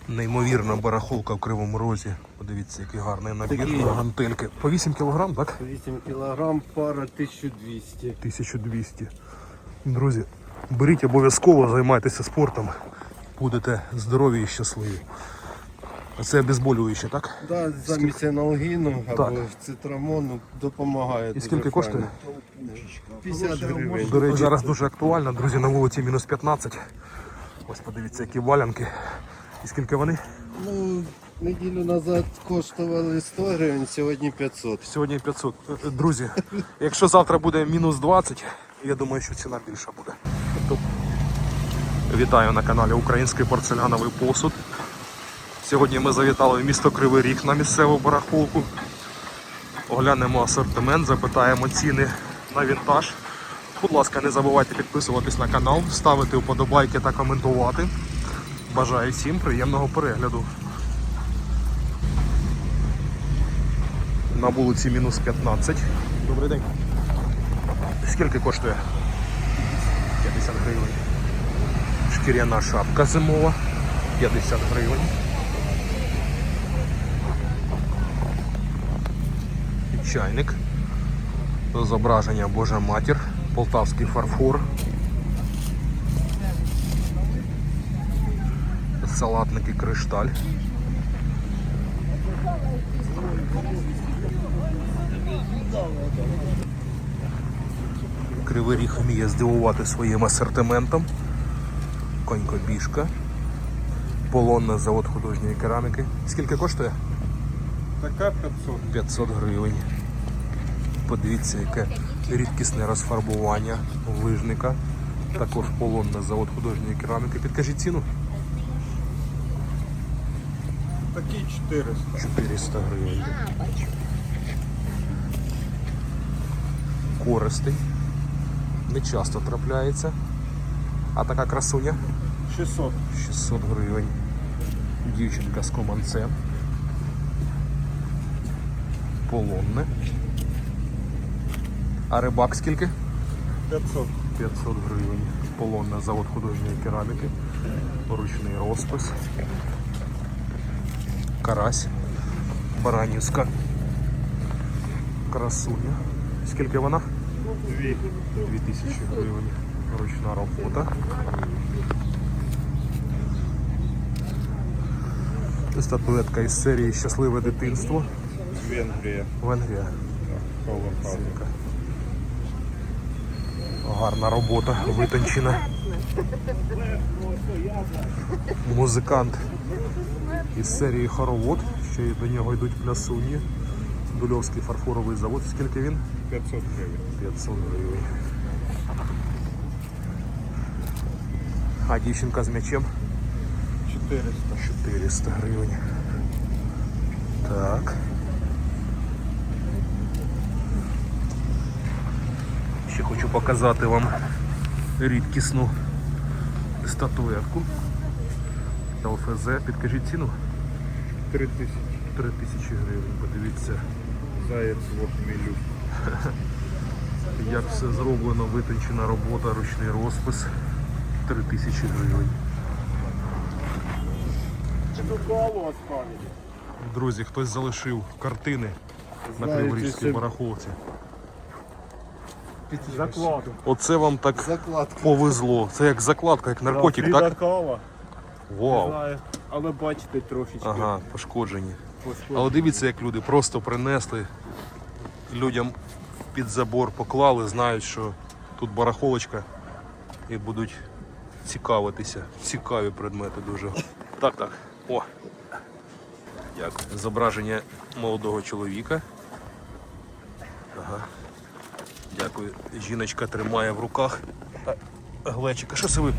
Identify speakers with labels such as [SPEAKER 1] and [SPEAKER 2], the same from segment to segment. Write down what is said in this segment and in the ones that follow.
[SPEAKER 1] Неймовірна барахолка в Кривому Розі. Подивіться, який гарний набір.
[SPEAKER 2] Такі.
[SPEAKER 1] Гантельки. По 8 кг, так?
[SPEAKER 2] 8 кілограм, пара 1200.
[SPEAKER 1] 1200. Друзі, беріть обов'язково, займайтеся спортом. Будете здорові і щасливі. А це обезболююче, так?
[SPEAKER 2] Да, замість аналгіну або
[SPEAKER 1] Так.
[SPEAKER 2] цитрамону допомагає.
[SPEAKER 1] І
[SPEAKER 2] дуже
[SPEAKER 1] скільки коштує?
[SPEAKER 2] файно. 50 гривень.
[SPEAKER 1] До речі, зараз дуже актуально, друзі, на вулиці мінус 15. Ось подивіться, які валянки. І скільки вони?
[SPEAKER 2] Ну, неділю назад коштували 100 гривень, сьогодні 500.
[SPEAKER 1] Сьогодні 500. Друзі, якщо завтра буде мінус 20, я думаю, що ціна більша буде. Вітаю на каналі Український порцеляновий посуд. Сьогодні ми завітали в місто Кривий Ріг на місцеву барахолку. Оглянемо асортимент, запитаємо ціни на вінтаж. Будь ласка, не забувайте підписуватись на канал, ставити вподобайки та коментувати. Бажаю всім приємного перегляду. На вулиці мінус 15. Добрий день. Скільки коштує? 50 гривень. Шкіряна шапка зимова. 50 гривень. І чайник. Зображення Божа Матір. Полтавський фарфор. Салатники Кришталь. Кривий Ріг вміє здивувати своїм асортиментом. Конькобіжка. Полонна, завод художньої кераміки. Скільки коштує?
[SPEAKER 2] Така 500.
[SPEAKER 1] 500 гривень. Подивіться, яке рідкісне розфарбування лижника. Також полонна, завод художньої кераміки. Підкажіть ціну?
[SPEAKER 2] Такі 400.
[SPEAKER 1] 400 гривень. Користий. Не часто трапляється. А така красуня?
[SPEAKER 2] 600.
[SPEAKER 1] 600 гривень. Дівчинка з команцем. Полонне. А рибак скільки?
[SPEAKER 2] 500.
[SPEAKER 1] 500 гривень. Полонне, завод художньої кераміки. Ручний розпис. Карась. Баранівська. Красуня. Скільки вона? 2000 гривень. Ручна робота. Статуетка із серії «Щасливе дитинство».
[SPEAKER 2] Венгрія.
[SPEAKER 1] Венгрія.
[SPEAKER 2] Powerhouse.
[SPEAKER 1] Гарна робота, витончена. Музикант із серії «Хоровод». Ще й до нього йдуть плясуні. Дульовський фарфоровий завод. Скільки він?
[SPEAKER 2] 500 гривень.
[SPEAKER 1] 500 гривень. А дівчинка з м'ячем?
[SPEAKER 2] 400.
[SPEAKER 1] 400 гривень. Так. Ще хочу показати вам рідкісну статуетку. ЛФЗ. Підкажіть ціну?
[SPEAKER 2] 3000.
[SPEAKER 1] 3000 гривень. Подивіться,
[SPEAKER 2] Заяць в хмелю.
[SPEAKER 1] як все зроблено, витончена робота, ручний розпис. 3000 гривень. Друзі, хтось залишив картини на Криворізькій барахолці.
[SPEAKER 2] Закладу.
[SPEAKER 1] Оце вам так
[SPEAKER 2] Закладка.
[SPEAKER 1] повезло. Це як закладка, як наркотик, так?
[SPEAKER 2] Кава.
[SPEAKER 1] Вау.
[SPEAKER 2] Знаю. Але бачите трошечки.
[SPEAKER 1] Ага, пошкоджені. Але дивіться, як люди просто принесли, людям під забор поклали, знають, що тут барахолочка і будуть цікавитися. Цікаві предмети дуже. Так. О. Дякую. Зображення молодого чоловіка. Ага. Дякую. Жіночка тримає в руках глечика. Що це ви?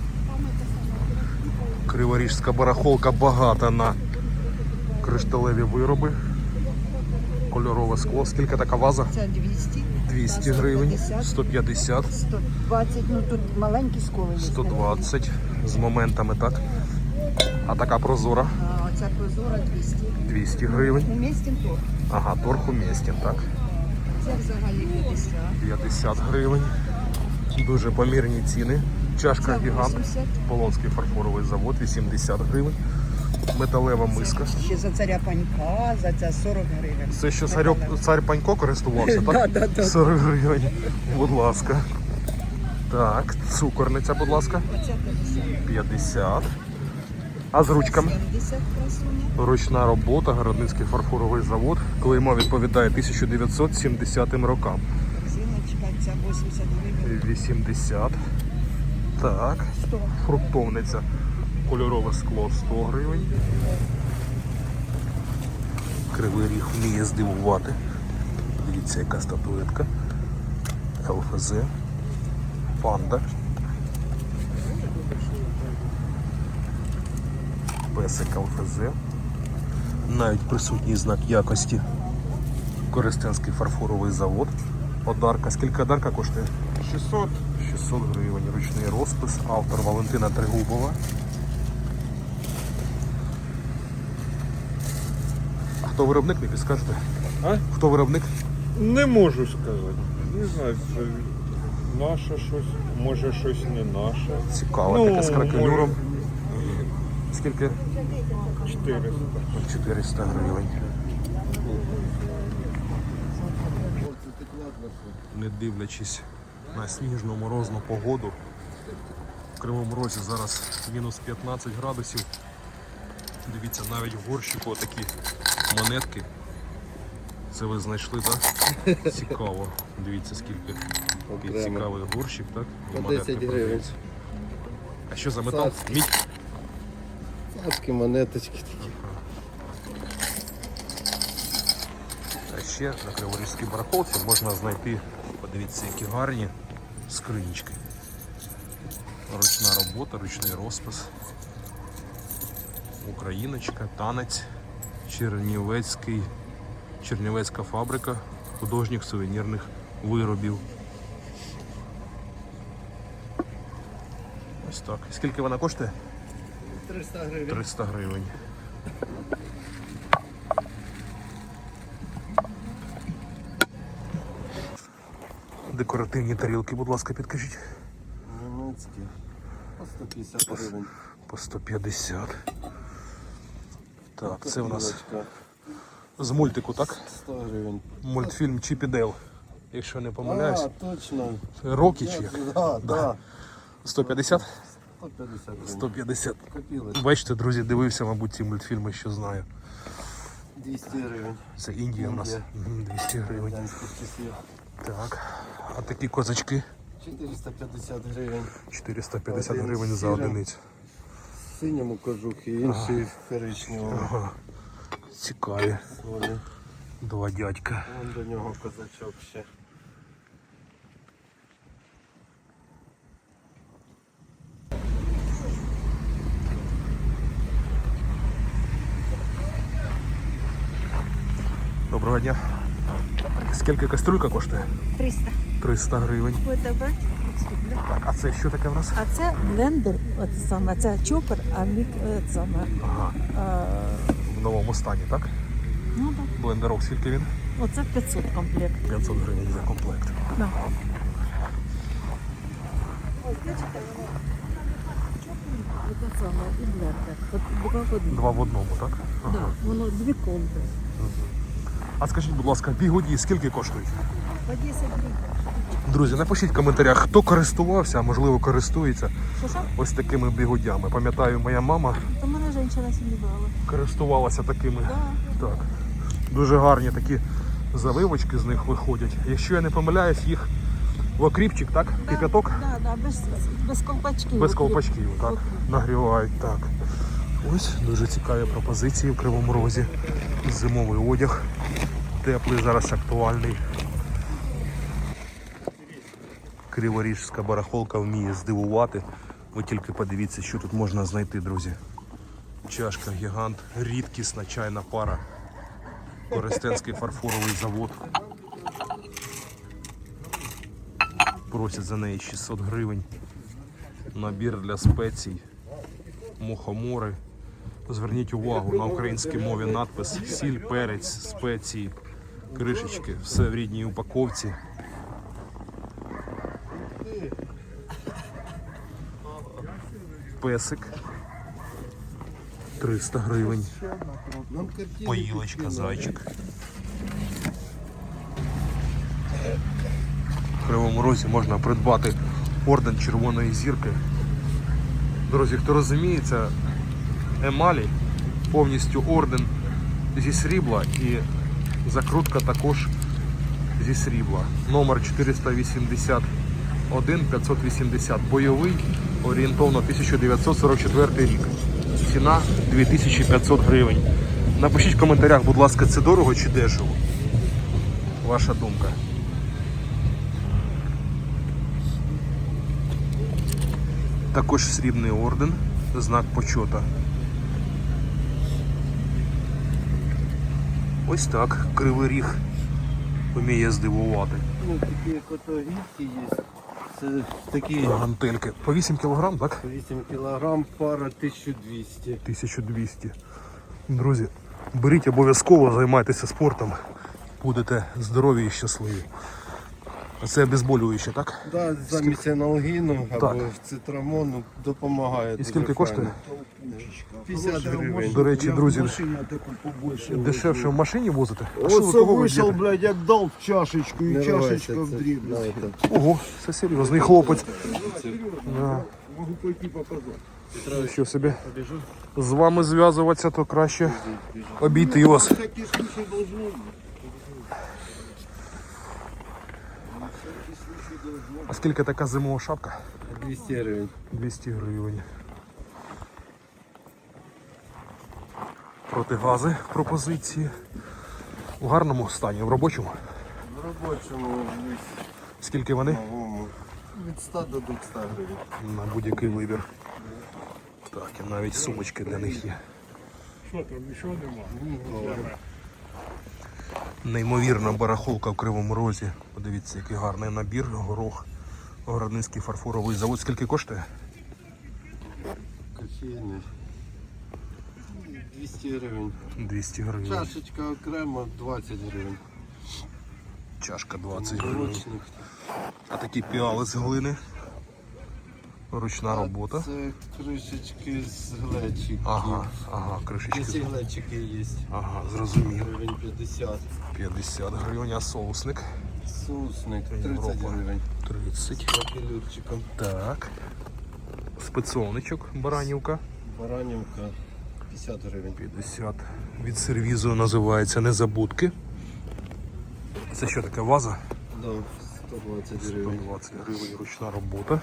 [SPEAKER 1] Криворіжська барахолка багата на кришталеві вироби. Кольорове скло. Скільки така ваза?
[SPEAKER 3] Це 200.
[SPEAKER 1] 200 гривень, 150,
[SPEAKER 3] 120, ну тут маленькі сколи є.
[SPEAKER 1] 120 з моментами, так? А така прозора?
[SPEAKER 3] А оця прозора 200.
[SPEAKER 1] 200 гривень.
[SPEAKER 3] Умістім торг.
[SPEAKER 1] Ага, торг умістен, так?
[SPEAKER 3] Це взагалі 50.
[SPEAKER 1] 50 гривень. Дуже помірні ціни. Чашка
[SPEAKER 3] Це
[SPEAKER 1] гігант.
[SPEAKER 3] 80.
[SPEAKER 1] Полонський фарфоровий завод, 80 гривень. Металева миска.
[SPEAKER 3] Ще за царя панька, за це 40 гривень.
[SPEAKER 1] Це що
[SPEAKER 3] Металева.
[SPEAKER 1] цар Панько користувався, так?
[SPEAKER 3] Да.
[SPEAKER 1] 40 гривень. Будь ласка. Так, цукорниця, будь ласка.
[SPEAKER 3] Оце 50.
[SPEAKER 1] 50. А з ручками?
[SPEAKER 3] 70 красуня.
[SPEAKER 1] Ручна робота, Городницький фарфоровий завод. Клеймо відповідає 1970 рокам.
[SPEAKER 3] Зіночка, ця 80 гривень.
[SPEAKER 1] 80. Так.
[SPEAKER 3] 100.
[SPEAKER 1] Фруктовниця. Кольорове скло 100 гривень. Кривий Ріг вміє здивувати. Дивіться, яка статуетка. ЛФЗ. Панда. Песик ЛФЗ. Навіть присутній знак якості. Коростенський фарфоровий завод. Одарка. Скільки одарка коштує?
[SPEAKER 2] 600.
[SPEAKER 1] 600 гривень. Ручний розпис. Автор Валентина Тригубова. Хто виробник, не підскажете?
[SPEAKER 4] А?
[SPEAKER 1] Хто виробник?
[SPEAKER 4] Не можу сказати. Не знаю, це наше щось, може щось не наше.
[SPEAKER 1] Цікаво, таке з кракелюром.
[SPEAKER 4] може,
[SPEAKER 1] Скільки?
[SPEAKER 4] 400.
[SPEAKER 1] 400 гривень. Не дивлячись на сніжну морозну погоду, в Кривому Розі зараз мінус 15 градусів. Дивіться, навіть в горщику такі монетки. Це ви знайшли, так? Цікаво. Дивіться, скільки. Такий
[SPEAKER 2] Окремо.
[SPEAKER 1] цікавий горщик, так? І
[SPEAKER 2] По
[SPEAKER 1] монетки
[SPEAKER 2] 10 гривень.
[SPEAKER 1] продаються. А що за метал?
[SPEAKER 2] Царський.
[SPEAKER 1] Мідь?
[SPEAKER 2] Царські монеточки такі.
[SPEAKER 1] А ще на Криворізькій барахолці можна знайти, подивіться, які гарні скринічки. Ручна робота, ручний розпис. Україночка, танець, Чернівецька фабрика художніх сувенірних виробів. Ось так. Скільки вона коштує?
[SPEAKER 2] 300 гривень.
[SPEAKER 1] 300 гривень. Декоративні тарілки, будь ласка, підкажіть.
[SPEAKER 2] Німецькі. По 150 гривень.
[SPEAKER 1] По 150. Так, це у нас
[SPEAKER 2] Тарілочка.
[SPEAKER 1] з мультику, так?
[SPEAKER 2] 100 гривень.
[SPEAKER 1] Мультфільм Чіп і Дейл. Якщо не помиляюсь.
[SPEAKER 2] А, точно.
[SPEAKER 1] Рокі чи як?
[SPEAKER 2] Да.
[SPEAKER 1] 150?
[SPEAKER 2] 150 гривень.
[SPEAKER 1] 150.
[SPEAKER 2] Копілочка.
[SPEAKER 1] Бачите, друзі, дивився, мабуть, ці мультфільми, що знаю.
[SPEAKER 2] 200 гривень.
[SPEAKER 1] Це Індія у нас.
[SPEAKER 2] Індія.
[SPEAKER 1] Мгм, 200 гривень.
[SPEAKER 2] Радянських часів.
[SPEAKER 1] Так. А такі козачки
[SPEAKER 2] 450 гривень.
[SPEAKER 1] 450
[SPEAKER 2] Один
[SPEAKER 1] гривень за
[SPEAKER 2] сірий.
[SPEAKER 1] одиницю.
[SPEAKER 2] В синьому кожухі, інший в коричневому.
[SPEAKER 1] Ага. Цікаві.
[SPEAKER 2] Солі.
[SPEAKER 1] Два дядька.
[SPEAKER 2] Вон до нього козачок ще.
[SPEAKER 1] Доброго дня. Скільки кастрюлька коштує?
[SPEAKER 5] 300.
[SPEAKER 1] 300 гривень.
[SPEAKER 5] Будете брати?
[SPEAKER 1] Так, а це що таке в нас?
[SPEAKER 5] А це блендер, от саме, це чопер, а мік саме.
[SPEAKER 1] Ага. В новому стані, так?
[SPEAKER 5] Ну так.
[SPEAKER 1] Блендерок, скільки він?
[SPEAKER 5] Оце 500 комплект.
[SPEAKER 1] 500 гривень за комплект.
[SPEAKER 5] Да. Оце саме і блендер. От два в одному.
[SPEAKER 1] Два в одному, так? Ага.
[SPEAKER 5] Да, воно дві комби.
[SPEAKER 1] А скажіть, будь ласка, бігуді скільки коштують?
[SPEAKER 5] По 10 гривень.
[SPEAKER 1] Друзі, напишіть в коментарях, хто користувався, а можливо користується
[SPEAKER 5] Що?
[SPEAKER 1] ось такими бігудями. Пам'ятаю, моя мама
[SPEAKER 5] То мене жінка сьогодні брала.
[SPEAKER 1] користувалася такими.
[SPEAKER 5] Да.
[SPEAKER 1] Так. Дуже гарні такі заливочки з них виходять. Якщо я не помиляюсь, їх в окріпчик, так? Кип'яток?
[SPEAKER 5] Да, без колпачків.
[SPEAKER 1] Без
[SPEAKER 5] От
[SPEAKER 1] колпачків, так? Нагрівають, так. Ось дуже цікаві пропозиції в Кривому Розі. Зимовий одяг. Теплий, зараз актуальний. Криворіжська барахолка вміє здивувати. Ви тільки подивіться, що тут можна знайти, друзі. Чашка гігант, рідкісна чайна пара. Коростенський фарфоровий завод. Просять за неї 600 гривень. Набір для спецій. Мухомори. Зверніть увагу, на українській мові надпис сіль, перець, спеції, кришечки. Все в рідній упаковці. Песик. 300 гривень.
[SPEAKER 2] Нам картини
[SPEAKER 1] Поїлочка,
[SPEAKER 2] підкинули.
[SPEAKER 1] зайчик. В Кривому Розі можна придбати орден Червоної зірки. Друзі, хто розуміється, емалі повністю орден зі срібла і закрутка також зі срібла. Номер 481 580. Бойовий, орієнтовно 1944 рік. Ціна 2500 гривень. Напишіть в коментарях, будь ласка, це дорого чи дешево? Ваша думка. Також срібний орден, знак почота. Ось так, Кривий Ріг вміє здивувати.
[SPEAKER 2] Ну, такі котогірки є. Це такі
[SPEAKER 1] Гантельки. По 8 кг, так?
[SPEAKER 2] 8 кілограм, пара 1200.
[SPEAKER 1] 1200. Друзі, беріть обов'язково, займайтеся спортом. Будете здорові і щасливі. А це обезболююче, так?
[SPEAKER 2] Да, замість аналгіну або
[SPEAKER 1] Так.
[SPEAKER 2] цитрамону допомагає.
[SPEAKER 1] І
[SPEAKER 2] дуже
[SPEAKER 1] скільки коштує?
[SPEAKER 2] файно. 50 гривень.
[SPEAKER 1] До речі, друзі,
[SPEAKER 6] таку побольше.
[SPEAKER 1] дешевше в машині возите? А що ви,
[SPEAKER 6] Оце
[SPEAKER 1] кого ви
[SPEAKER 6] вийшов,
[SPEAKER 1] б'єте?
[SPEAKER 6] блядь, як дав чашечку, і
[SPEAKER 2] Не
[SPEAKER 6] чашечка
[SPEAKER 2] рвайся,
[SPEAKER 6] в
[SPEAKER 2] це,
[SPEAKER 6] дрібну.
[SPEAKER 2] знаєте.
[SPEAKER 1] Ого, це серйозний хлопець. Да.
[SPEAKER 6] Можу пойти показати.
[SPEAKER 1] Що собі? З вами зв'язуватися, то краще обійти вас.
[SPEAKER 6] Такі случаї должны бути.
[SPEAKER 1] А скільки така зимова шапка?
[SPEAKER 2] 200 гривень.
[SPEAKER 1] 200 гривень. Протигази в пропозиції. В гарному стані, в робочому.
[SPEAKER 2] В робочому
[SPEAKER 1] Скільки вони?
[SPEAKER 2] новому від 100 до 200 гривень.
[SPEAKER 1] На будь-який вибір. Так, і навіть сумочки для них є. Неймовірна барахолка в Кривому Розі. Подивіться, який гарний набір, горох. Городницький фарфоровий завод. Скільки коштує?
[SPEAKER 2] Кофейний. 200 гривень.
[SPEAKER 1] 200 гривень.
[SPEAKER 2] Чашечка окремо 20 гривень.
[SPEAKER 1] Чашка 20 гривень.
[SPEAKER 2] Ручник.
[SPEAKER 1] А такі піали з глини. Ручна робота.
[SPEAKER 2] Це кришечки з глечиків.
[SPEAKER 1] Ага, ці
[SPEAKER 2] Ці глечики є.
[SPEAKER 1] Ага, зрозумів.
[SPEAKER 2] Гривень 50.
[SPEAKER 1] 50 гривень, а соусник?
[SPEAKER 2] Соусник 30
[SPEAKER 1] Європа.
[SPEAKER 2] гривень.
[SPEAKER 1] 30.
[SPEAKER 2] Папілюрчиком.
[SPEAKER 1] Так. Спецовничок, баранівка.
[SPEAKER 2] Баранівка 50 гривень.
[SPEAKER 1] 50. Від сервізу називається Незабудки. Це що таке, ваза?
[SPEAKER 2] Да, 120 гривень.
[SPEAKER 1] 120 гривень, ручна робота.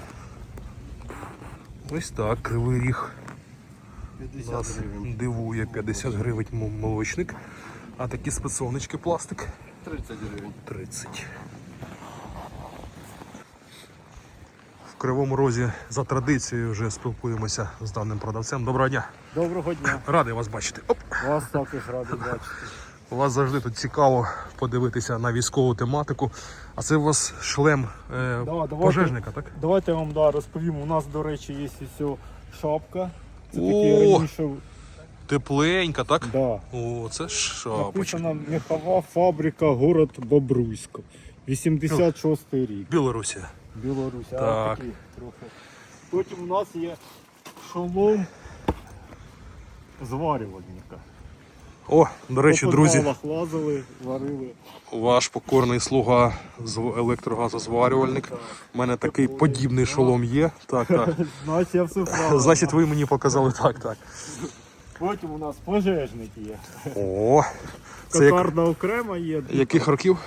[SPEAKER 1] Ось так, Кривий Ріг
[SPEAKER 2] 50
[SPEAKER 1] нас
[SPEAKER 2] гривень.
[SPEAKER 1] дивує. 50 гривень молочник. А такі спецовнички пластик
[SPEAKER 2] 30 гривень.
[SPEAKER 1] 30. В Кривому Розі за традицією вже спілкуємося з даним продавцем. Доброго дня.
[SPEAKER 7] Доброго дня.
[SPEAKER 1] Радий вас бачити. Оп.
[SPEAKER 7] Вас також радий бачити.
[SPEAKER 1] У вас завжди тут цікаво подивитися на військову тематику. А це у вас шлем
[SPEAKER 7] давайте.
[SPEAKER 1] пожежника, так?
[SPEAKER 7] Давайте я вам розповім. У нас, до речі, є ось шапка. Це
[SPEAKER 1] О!
[SPEAKER 7] такі раніше.
[SPEAKER 1] Тепленька, так?
[SPEAKER 7] Да.
[SPEAKER 1] О, це шапочка.
[SPEAKER 7] Написано мехова фабрика, город Бобруйсько. 86-й рік.
[SPEAKER 1] Білорусія.
[SPEAKER 7] Білорусь.
[SPEAKER 1] Так.
[SPEAKER 7] А, такий трохи. Потім у нас є шолом зварювальника.
[SPEAKER 1] О, до речі,
[SPEAKER 7] По
[SPEAKER 1] друзі,
[SPEAKER 7] підвалах лазили, варили.
[SPEAKER 1] ваш покорний слуга електрогазозварювальник. У мене такий подібний шолом є. Так, так.
[SPEAKER 7] Значить, я все правильно.
[SPEAKER 1] Значить, ви мені показали так, так.
[SPEAKER 7] Потім у нас пожежник є.
[SPEAKER 1] О, це як,
[SPEAKER 7] Кокарда окрема є.
[SPEAKER 1] яких років?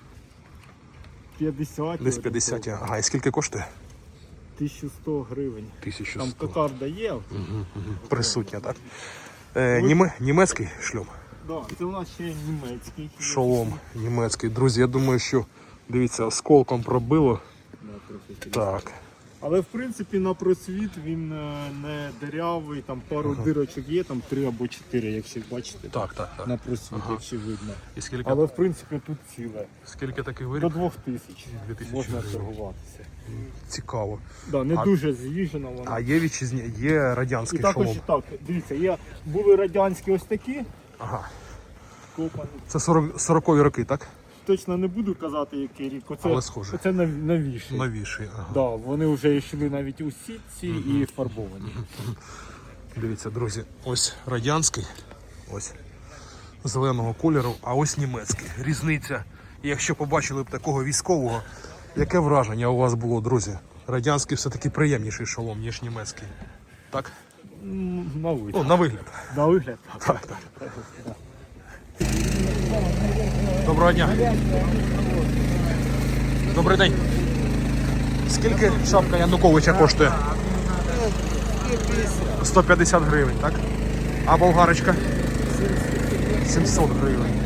[SPEAKER 7] 50.
[SPEAKER 1] Десь 50. Ага, і скільки коштує?
[SPEAKER 7] 1100 гривень.
[SPEAKER 1] 1100.
[SPEAKER 7] Там кокарда є.
[SPEAKER 1] Присутня, так? Німецький шльом.
[SPEAKER 7] Да, це у нас ще німецький.
[SPEAKER 1] Шолом німецький. Друзі, я думаю, що, дивіться, осколком пробило. Так.
[SPEAKER 7] Але в принципі на просвіт він не дирявий, там пару дирочок є, там 3 або 4, якщо бачите.
[SPEAKER 1] Так, так, так.
[SPEAKER 7] На просвіт, якщо видно.
[SPEAKER 1] І скільки,
[SPEAKER 7] Але в принципі тут ціле.
[SPEAKER 1] скільки такий
[SPEAKER 7] До
[SPEAKER 1] виріб?
[SPEAKER 7] 2000
[SPEAKER 1] 2000
[SPEAKER 7] можна
[SPEAKER 1] гривень.
[SPEAKER 7] торгуватися.
[SPEAKER 1] Цікаво.
[SPEAKER 7] Да, не
[SPEAKER 1] А-
[SPEAKER 7] дуже з'їжджена вона.
[SPEAKER 1] А є є
[SPEAKER 7] І
[SPEAKER 1] радянський
[SPEAKER 7] також
[SPEAKER 1] шолом.
[SPEAKER 7] так, дивіться, були радянські ось такі,
[SPEAKER 1] Ага.
[SPEAKER 7] копані.
[SPEAKER 1] Це 40-ті роки, так?
[SPEAKER 7] Точно не буду казати, який рік.
[SPEAKER 1] Але схоже.
[SPEAKER 7] Оце новіший.
[SPEAKER 1] Новіший. Ага.
[SPEAKER 7] Да, вони вже йшли навіть у сітці і фарбовані.
[SPEAKER 1] Дивіться, друзі, ось радянський, ось зеленого кольору, а ось німецький. Різниця. І якщо побачили б такого військового, яке враження у вас було, друзі? Радянський все-таки приємніший шолом, ніж німецький. Так?
[SPEAKER 7] На вигляд.
[SPEAKER 1] Ну, на вигляд.
[SPEAKER 7] На вигляд.
[SPEAKER 1] Так, так. Доброго дня. Добрий день. Скільки шапка Януковича коштує? 150 гривень, так? А болгарочка? 700 гривень.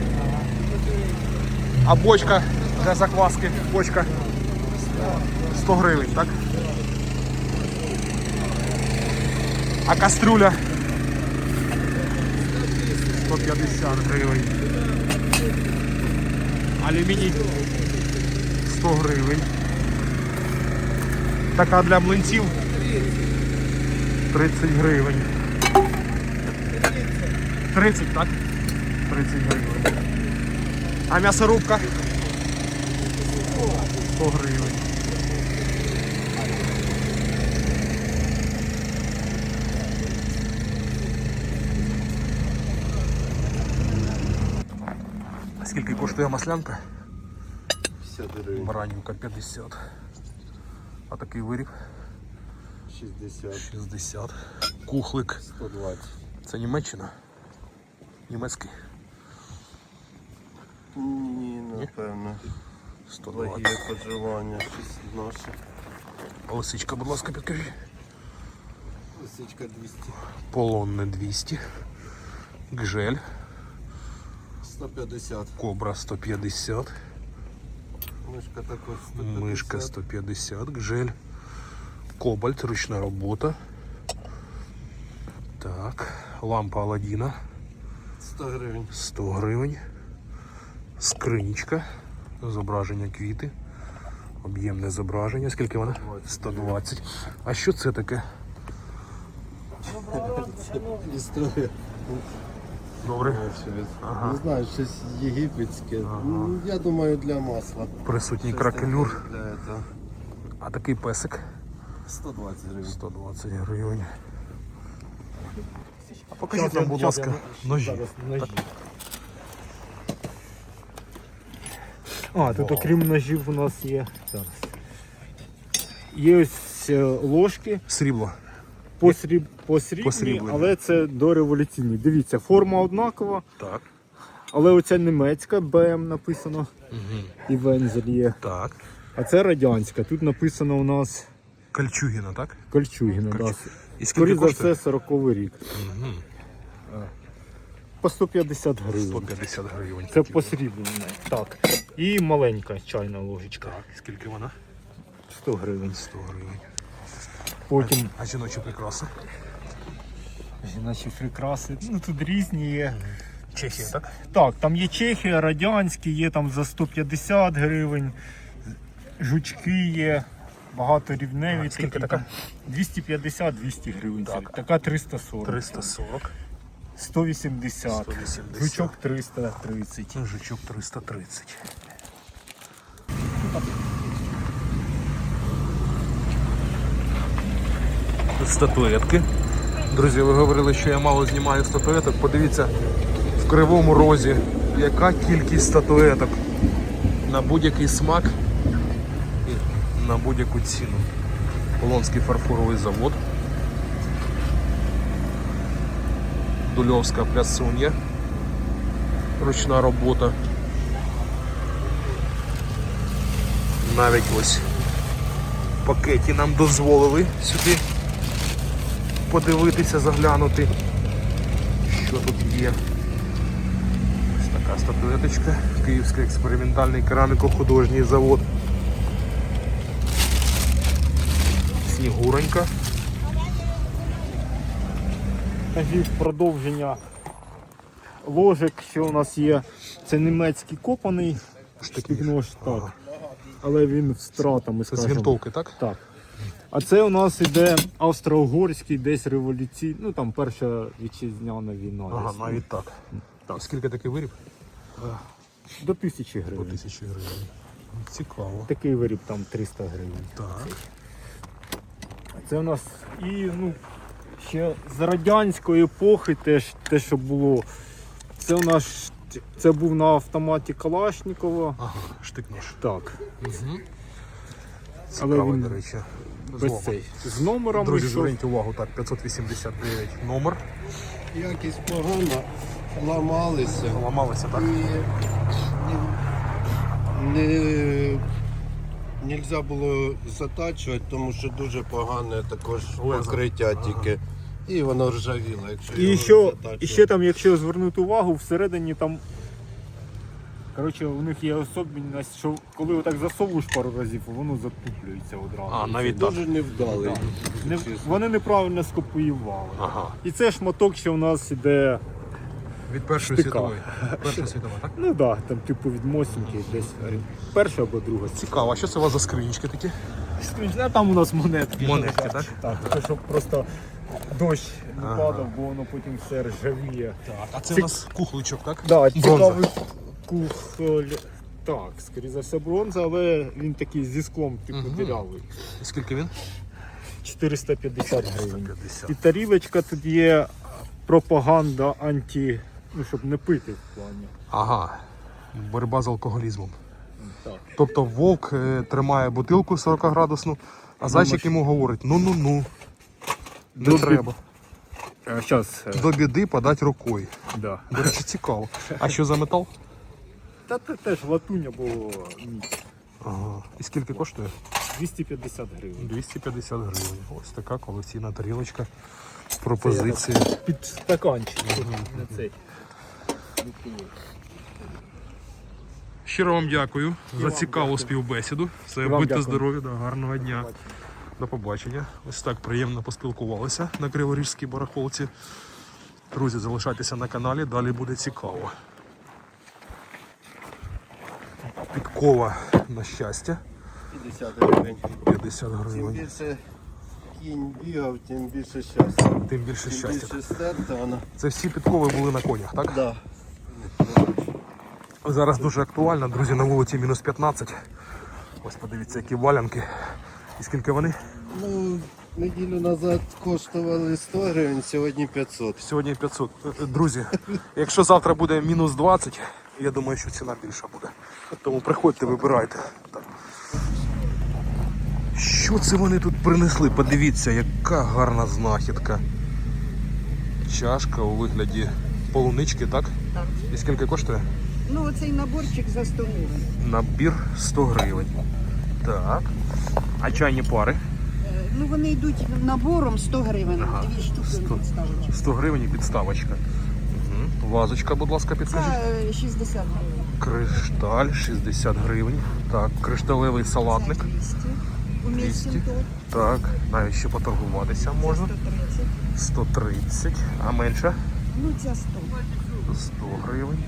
[SPEAKER 1] А бочка для закваски? Бочка? 100 гривень, так? А кастрюля? 150 гривень. Алюміній 100 гривень. Така для млинців 30 гривень. 30, так? 30 гривень. А м'ясорубка? 100 гривень. Скільки коштує маслянка?
[SPEAKER 2] 50 гривень.
[SPEAKER 1] Баранівка 50. А такий виріб?
[SPEAKER 2] 60.
[SPEAKER 1] 60. Кухлик.
[SPEAKER 2] 120.
[SPEAKER 1] Це Німеччина? Німецький?
[SPEAKER 2] Ні, напевно.
[SPEAKER 1] 120.
[SPEAKER 2] Благі поживання. Щось наше.
[SPEAKER 1] Лисичка, будь ласка, підкажіть.
[SPEAKER 2] Лисичка 200.
[SPEAKER 1] Полонне 200. Гжель.
[SPEAKER 2] 150.
[SPEAKER 1] Кобра 150.
[SPEAKER 2] Мишка також 150.
[SPEAKER 1] Мишка 150. Гжель. Кобальт, ручна робота. Так. Лампа Аладдіна.
[SPEAKER 2] 100 гривень.
[SPEAKER 1] 100 гривень. Скринічка. Зображення квіти. Об'ємне зображення. Скільки вона? 120. А що це таке?
[SPEAKER 2] Історія.
[SPEAKER 1] Добре.
[SPEAKER 2] Не знаю, щось єгипетське. Ну, я думаю, для масла.
[SPEAKER 1] Присутній
[SPEAKER 2] Щось
[SPEAKER 1] кракелюр.
[SPEAKER 2] таке для этого.
[SPEAKER 1] А такий песик?
[SPEAKER 2] 120 гривень.
[SPEAKER 1] 120 гривень. А покажіть нам, будь ласка, ножі.
[SPEAKER 7] А, тут окрім ножів у нас є. Зараз. Є ось ложки
[SPEAKER 1] Срібло.
[SPEAKER 7] посрібні,
[SPEAKER 1] Посріблені.
[SPEAKER 7] але це дореволюційні. Дивіться, форма однакова,
[SPEAKER 1] Так.
[SPEAKER 7] але оця німецька, БМ написано, і вензель є.
[SPEAKER 1] Так.
[SPEAKER 7] А це радянська. Тут написано у нас
[SPEAKER 1] Кольчугіна, так?
[SPEAKER 7] Кольчугіна. Да.
[SPEAKER 1] І скільки
[SPEAKER 7] Скоріше за
[SPEAKER 1] коштує?
[SPEAKER 7] все 40-й рік. По 150 гривень.
[SPEAKER 1] 150 гривень.
[SPEAKER 7] Це посріблена. Так. І маленька чайна ложечка.
[SPEAKER 1] Так, скільки вона?
[SPEAKER 7] 100 гривень.
[SPEAKER 1] 100 гривень.
[SPEAKER 7] Потім
[SPEAKER 1] А жіночі прикраси?
[SPEAKER 7] жіночі прикраси. Ну тут різні є.
[SPEAKER 1] Чехія, так?
[SPEAKER 7] Так, там є Чехія, радянські, є там за 150 гривень, жучки є, багаторівневі.
[SPEAKER 1] А, скільки
[SPEAKER 7] такі,
[SPEAKER 1] така?
[SPEAKER 7] там 250-200 гривень.
[SPEAKER 1] Так.
[SPEAKER 7] Така 340.
[SPEAKER 1] 340.
[SPEAKER 7] 180.
[SPEAKER 1] 180.
[SPEAKER 7] Жучок 330.
[SPEAKER 1] Жучок 330. Статуетки. Друзі, ви говорили, що я мало знімаю статуеток. Подивіться, в Кривому Розі яка кількість статуеток на будь-який смак і на будь-яку ціну. Полонський фарфоровий завод. Дульовська плясун'я. Ручна робота. Навіть ось в пакеті нам дозволили сюди подивитися, заглянути, що тут є. Ось така статуеточка. Київський експериментальний кераміко-художній завод. Снігуронька.
[SPEAKER 7] Кажіть, продовження ложок, що у нас є. Це німецький копаний штик-нож, так. Але він з втратами,
[SPEAKER 1] Це з
[SPEAKER 7] скажімо.
[SPEAKER 1] гвинтовки, так?
[SPEAKER 7] Так. А це у нас іде австро-угорський, десь революційний, ну там перша вітчизняна війна.
[SPEAKER 1] Ага,
[SPEAKER 7] десь.
[SPEAKER 1] навіть так.
[SPEAKER 7] Так.
[SPEAKER 1] Скільки такий виріб?
[SPEAKER 7] До 1000
[SPEAKER 1] По
[SPEAKER 7] гривень.
[SPEAKER 1] 1000 гривень. Цікаво.
[SPEAKER 7] Такий виріб там 300 гривень.
[SPEAKER 1] Так.
[SPEAKER 7] Це у нас і, ну, ще з радянської епохи теж те, що було. Це у нас це був на автоматі Калашникова.
[SPEAKER 1] Ага, штик-нож.
[SPEAKER 7] Так.
[SPEAKER 1] Угу.
[SPEAKER 7] Але
[SPEAKER 1] Цікавий,
[SPEAKER 7] він
[SPEAKER 1] до речі.
[SPEAKER 7] без цей. З номером
[SPEAKER 1] Друзі,
[SPEAKER 7] йшов.
[SPEAKER 1] зверніть увагу, так, 589 номер.
[SPEAKER 2] Якість погана, ламалися.
[SPEAKER 1] Ламалися, так?
[SPEAKER 2] Нельзя було затачувати, тому що дуже погане також
[SPEAKER 1] Лезо.
[SPEAKER 2] покриття тільки. І воно ржавіло, якщо
[SPEAKER 7] І
[SPEAKER 2] його
[SPEAKER 7] ще,
[SPEAKER 2] затачувати.
[SPEAKER 7] і ще там, якщо звернути увагу, всередині там. Коротше, у них є особливість, що коли отак засовуєш пару разів, воно затуплюється одразу.
[SPEAKER 1] А, навіть так.
[SPEAKER 2] Дуже невдалий.
[SPEAKER 7] Вони неправильно скопіювали.
[SPEAKER 1] Ага.
[SPEAKER 7] І це шматок, що у нас іде,
[SPEAKER 1] Від Першої
[SPEAKER 7] Штика.
[SPEAKER 1] світової. Перша світова, так?
[SPEAKER 7] ну так, да, там типу від Мосінки десь перша або друга.
[SPEAKER 1] Цікаво, а що це у вас за скринічки такі?
[SPEAKER 7] А там у нас монетки.
[SPEAKER 1] Монетки, так?
[SPEAKER 7] Так, це щоб просто дощ не падав, бо воно потім все ржавіє.
[SPEAKER 1] А це у нас кухличок, так?
[SPEAKER 7] Да,
[SPEAKER 1] Бронза.
[SPEAKER 7] цікавий кухоль. Так, скоріше за все бронза, але він такий зі склом, типу дірявий.
[SPEAKER 1] І скільки він?
[SPEAKER 7] 450 гривень.
[SPEAKER 1] 150.
[SPEAKER 7] І тарілочка тут є пропаганда анті, ну щоб не пити в плані.
[SPEAKER 1] Ага. Боротьба з алкоголізмом.
[SPEAKER 7] Так.
[SPEAKER 1] Тобто вовк тримає бутилку 40-градусну, а зайчик йому говорить: ну-ну-ну, не
[SPEAKER 7] Добрі-
[SPEAKER 1] треба.
[SPEAKER 7] Зараз,
[SPEAKER 1] До біди подать рукою.
[SPEAKER 7] да.
[SPEAKER 1] До речі, цікаво. А що за метал?
[SPEAKER 7] Та це теж латуня було міць.
[SPEAKER 1] Ага. І скільки коштує?
[SPEAKER 7] 250 гривень.
[SPEAKER 1] 250 гривень. Ось така колекційна тарілочка. Пропозиція.
[SPEAKER 7] Під стаканчик. На цей.
[SPEAKER 1] Щиро вам дякую за цікаву співбесіду. Все,
[SPEAKER 7] Вам
[SPEAKER 1] будьте
[SPEAKER 7] дякую.
[SPEAKER 1] здорові, да, гарного дня. До побачення. Ось так приємно поспілкувалися на Криворіжській барахолці. Друзі, залишайтеся на каналі, далі буде цікаво. Підкова на щастя.
[SPEAKER 2] 50 гривень.
[SPEAKER 1] 50
[SPEAKER 2] Чим
[SPEAKER 1] гривень.
[SPEAKER 2] більше кінь бігав, тим більше щастя.
[SPEAKER 1] Тим більше
[SPEAKER 2] Тим
[SPEAKER 1] щастя.
[SPEAKER 2] більше стерта вона.
[SPEAKER 1] Це всі підкови були на конях, так?
[SPEAKER 2] Да.
[SPEAKER 1] Зараз дуже актуально, друзі, на вулиці мінус 15. Ось подивіться, які валянки. І скільки вони?
[SPEAKER 2] Ну, неділю назад коштували 100 гривень, сьогодні 500.
[SPEAKER 1] Сьогодні 500. Друзі, якщо завтра буде мінус 20, я думаю, що ціна більша буде. Тому приходьте, вибирайте. Так. Що це вони тут принесли? Подивіться, яка гарна знахідка. Чашка у вигляді полунички, так?
[SPEAKER 3] Так.
[SPEAKER 1] І скільки коштує?
[SPEAKER 3] Ну, оцей наборчик за 100 гривень.
[SPEAKER 1] Набір 100 гривень. Так. А чайні пари?
[SPEAKER 3] Ну, вони йдуть набором 100 гривень,
[SPEAKER 1] Ага.
[SPEAKER 3] дві штуки
[SPEAKER 1] 100.
[SPEAKER 3] підставочки.
[SPEAKER 1] 100 гривень і підставочка. Угу. Вазочка, будь ласка, підкажіть.
[SPEAKER 3] Це 60 гривень.
[SPEAKER 1] Кришталь 60 гривень. Так, кришталевий салатник.
[SPEAKER 3] Це 200. У
[SPEAKER 1] 200.
[SPEAKER 3] місті
[SPEAKER 1] Так, навіть ще поторгуватися можна.
[SPEAKER 3] 130.
[SPEAKER 1] 130, а менше?
[SPEAKER 3] Ну, ця 100.
[SPEAKER 1] 100 гривень.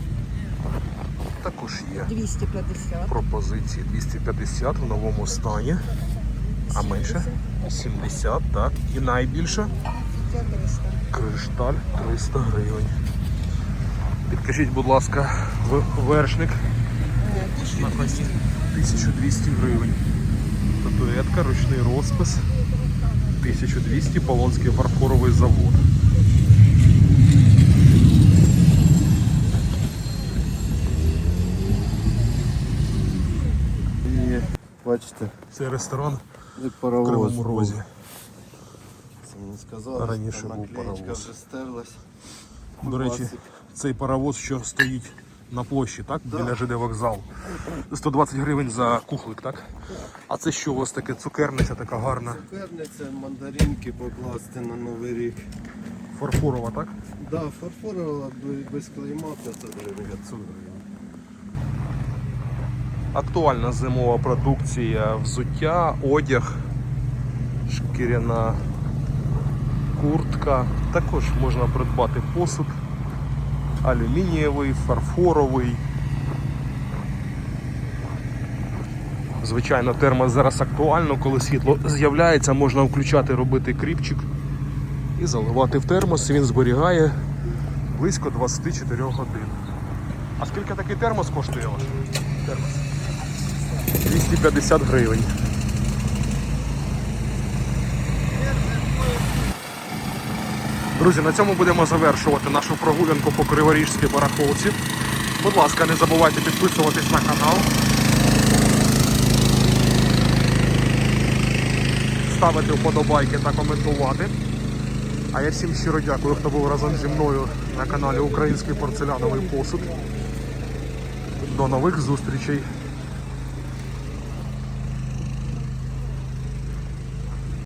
[SPEAKER 1] Також є
[SPEAKER 3] 250.
[SPEAKER 1] пропозиції 250 в новому стані. А менше? 70, так. І найбільше?
[SPEAKER 3] Ця 300.
[SPEAKER 1] Кришталь 300 гривень. Підкажіть, будь ласка, вершник на коні 1200 гривень. Статуетка, ручний розпис 1200, Полонський фарфоровий завод.
[SPEAKER 2] І бачите,
[SPEAKER 1] Це ресторан
[SPEAKER 2] і
[SPEAKER 1] в
[SPEAKER 2] паровоз.
[SPEAKER 1] Кривому
[SPEAKER 2] був.
[SPEAKER 1] Розі.
[SPEAKER 2] Це мені сказали,
[SPEAKER 1] Раніше
[SPEAKER 2] що там
[SPEAKER 1] був
[SPEAKER 2] наклеєчка
[SPEAKER 1] паровоз.
[SPEAKER 2] вже стерлась.
[SPEAKER 1] До речі,
[SPEAKER 2] Класик.
[SPEAKER 1] цей паровоз, що стоїть на площі, так? Біля ЖД вокзал. 120 гривень за кухлик, так? А це що у вас таке? Цукерниця така гарна,
[SPEAKER 2] Цукерниця, мандаринки покласти на Новий рік.
[SPEAKER 1] фарфорова, так?
[SPEAKER 2] Да, фарфорова без клейма 500 гривень.
[SPEAKER 1] 500 гривень. Актуальна зимова продукція, взуття, одяг, шкіряна куртка. Також можна придбати посуд, алюмінієвий, фарфоровий. Звичайно, термос зараз актуально, коли світло з'являється, можна включати, робити кріпчик і заливати в термос, і він зберігає близько 24 годин. А скільки такий термос коштує ваш? Термос? 250 гривень. Друзі, на цьому будемо завершувати нашу прогулянку по Криворіжській барахолці. Будь ласка, не забувайте підписуватись на канал, ставити вподобайки та коментувати. А я всім щиро дякую, хто був разом зі мною на каналі Український порцеляновий посуд. До нових зустрічей!